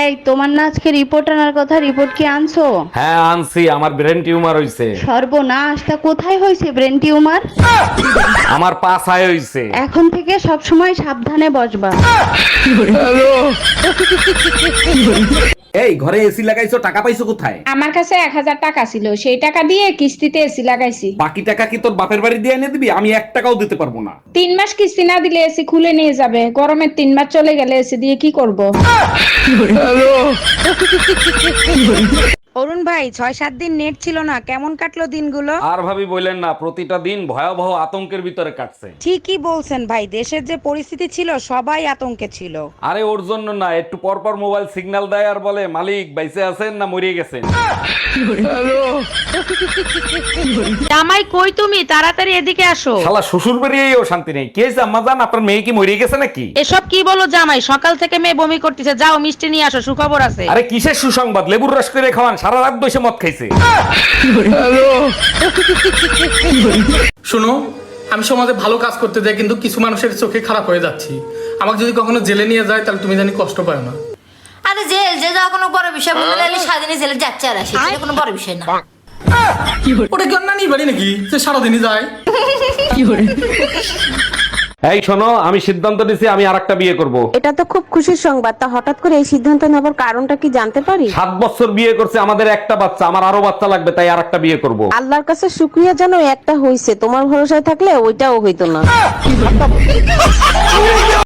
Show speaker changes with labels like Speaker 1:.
Speaker 1: এই তোমার না আজকে রিপোর্ট আনার কথা, রিপোর্ট কি আনছো?
Speaker 2: হ্যাঁ আনছি, আমার ব্রেন টিউমার হইছে।
Speaker 1: সর্বনাশ, তা কোথায় হয়েছে ব্রেন টিউমার?
Speaker 2: আমার পাছায় হইছে।
Speaker 1: এখন থেকে সব সময় সাবধানে বসবা।
Speaker 2: এই ঘরে এসি লাগাইছো, টাকা পাইছো কোথায়?
Speaker 3: আমার কাছে 1000 টাকা ছিল, সেই টাকা দিয়ে কিস্তিতে এসি লাগাইছি।
Speaker 2: বাকি টাকা কি তোর বাপের বাড়ি দিয়ে এনে দিবি? আমি 1 টাকাও দিতে পারবো না।
Speaker 3: 3 মাস কিস্তি না দিলে এসি খুলে নিয়ে যাবে। গরমের 3 মাস চলে গেলে এসি দিয়ে কি করব?
Speaker 4: অরুণ ভাই 6-7 দিন নেট ছিল না, কেমন কাটলো দিনগুলো?
Speaker 2: আর ভাবি বললেন না, প্রতিটা দিন ভয়াবহ আতঙ্কের ভিতরে কাটছে।
Speaker 4: ঠিকই বলছেন ভাই, দেশের যে পরিস্থিতি ছিল সবাই আতঙ্কে ছিল।
Speaker 2: আরে ওর জন্য না, একটু পর পর মোবাইল সিগন্যাল দেয় আর বলে মালিক বাইসে আছেন না মরিয়ে গেছেন।
Speaker 4: জামাই কই তুমি, তাড়াতাড়ি এদিকে আসো।
Speaker 2: শালা শ্বশুর বাড়িয়েও শান্তি নেই। কে আম্মা জান, আপনার মেয়ে কি মরিয়ে গেছে নাকি?
Speaker 4: এসব কি বলো জামাই, সকাল থেকে মেয়ে বমি করতেছে, যাও মিষ্টি নিয়ে আসো, সুখবর আছে।
Speaker 2: আরে কিসের সুসংবাদ? লেবুর রস করে খাওয়ান, সারা রাত বসে মদ খাইছে।
Speaker 5: শোনো, আমি সমাজে ভালো কাজ করতে যাই, কিন্তু কিছু মানুষের চোখে খারাপ হয়ে যাচ্ছি। আমাকে যদি কখনো জেলে নিয়ে যায় তাহলে তুমি জানি কষ্ট পাও না।
Speaker 6: আরে জেল যে যাওয়া কোনো বড় বিষয় বলে গেলে স্বাধীনে জেলে যাচ্ছে আর আসে, এটা কোনো বড় বিষয় না।
Speaker 5: ওটা কি অন্যান্য বাড়ি নাকি যে সারাদিনই যায়?
Speaker 2: এই শোনো, আমি সিদ্ধান্ত নিছি আমি আরেকটা বিয়ে করব।
Speaker 7: এটা তো খুব খুশির সংবাদ, তা হঠাৎ করে এই সিদ্ধান্ত নেবার কারণটা কি জানতে পারি?
Speaker 2: 7 বছর বিয়ে করছে, আমাদের একটা বাচ্চা, আমার আরো বাচ্চা লাগবে, তাই আরেকটা বিয়ে করব।
Speaker 7: আল্লাহর কাছে শুকরিয়া জানো একটা হইছে, তোমার ভরসায় থাকলে ওইটাও হইতো না।